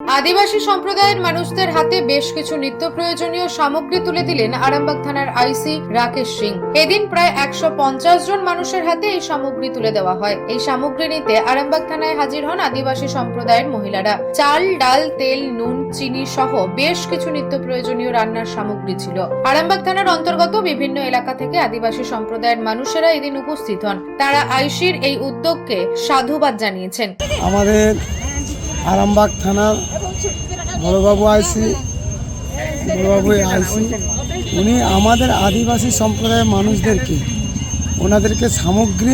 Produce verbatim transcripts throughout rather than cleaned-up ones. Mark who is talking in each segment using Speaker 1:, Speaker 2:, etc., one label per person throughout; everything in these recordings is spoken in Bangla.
Speaker 1: আদিবাসী সম্প্রদায়ের মানুষদের হাতে বেশ কিছু নিত্য প্রয়োজনীয় সামগ্রী তুলে দিলেন আরামবাগ থানার আইসি রাকেশ সিং। এদিন প্রায় একশো পঞ্চাশ জন মানুষের হাতে এই সামগ্রী তুলে দেওয়া হয়। এই সামগ্রী নিতে আরামবাগ থানায় হাজির হন আদিবাসী সম্প্রদায়ের মহিলারা। চাল, ডাল, তেল, নুন, চিনি সহ বেশ কিছু নিত্য প্রয়োজনীয় রান্নার সামগ্রী ছিল। আরামবাগ থানার অন্তর্গত বিভিন্ন এলাকা থেকে আদিবাসী সম্প্রদায়ের মানুষেরা এদিন উপস্থিত হন। তারা আইসির এই উদ্যোগকে সাধুবাদ জানিয়েছেন।
Speaker 2: আমাদের আরামবাগ থানার বড়বাবু আইসি বড়বাবু আইসি উনি আমাদের আদিবাসী সম্প্রদায়ের মানুষদেরকে ওনাদেরকে সামগ্রী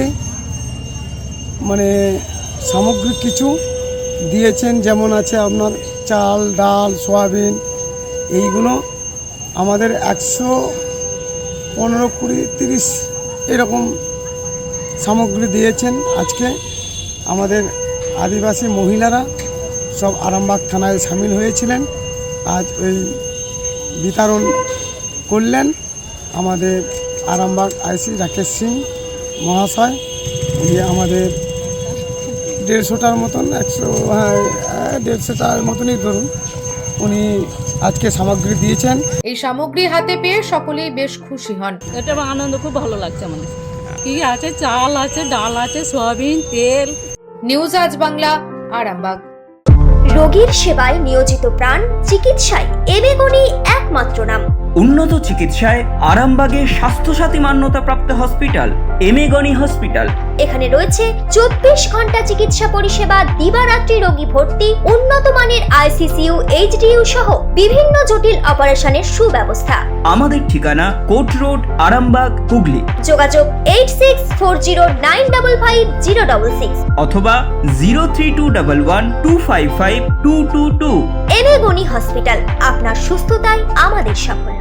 Speaker 2: মানে সামগ্রী কিছু দিয়েছেন, যেমন আছে আপনার চাল, ডাল, সয়াবিন, এইগুলো আমাদের একশো পনেরো কুড়ি তিরিশ এরকম সামগ্রী দিয়েছেন। আজকে আমাদের আদিবাসী মহিলারা সব আরামবাগ থানায় সামিল হয়েছিলেন। আজ ওই বিতরণ করলেন আমাদের আরামবাগ আইসি রাকেশ সিং মহাশয়। উনি আমাদের দেড়শোটার মতন একশো হ্যাঁ দেড়শোটার মতনই ধরুন উনি আজকে সামগ্রী দিয়েছেন।
Speaker 1: এই সামগ্রী হাতে পেয়ে সকলেই বেশ খুশি হন।
Speaker 3: এটা আনন্দ খুব ভালো লাগছে আমাদের। কি আছে, চাল আছে, ডাল আছে, সয়াবিন, তেল।
Speaker 1: নিউজ আজ বাংলা, আরামবাগ।
Speaker 4: রোগীর সেবায় নিয়োজিত প্রাণ, চিকিৎসায় এবেগুনি একমাত্র নাম।
Speaker 5: উন্নত চিকিৎসায় আরামবাগে স্বাস্থ্যসাথী মান্যতাপ্রাপ্ত হসপিটাল এমেগনি হসপিটাল।
Speaker 4: এখানে রয়েছে চব্বিশ ঘন্টা চিকিৎসা পরিষেবা, দিবারাত্রি রোগী ভর্তি, উন্নত মানের আইসিসিইউ, এইচডিইউ সহ বিভিন্ন জটিল অপারেশনের সুব্যবস্থা।
Speaker 5: আমাদের ঠিকানা কোট রোড, আরামবাগ, হুগলি।
Speaker 4: যোগাযোগ eight six four zero nine double five zero double six
Speaker 5: অথবা zero three two double one two five five two two two.
Speaker 4: এবেগুনি হসপিটাল, আপনার সুস্থতাই আমাদের সাফল্য।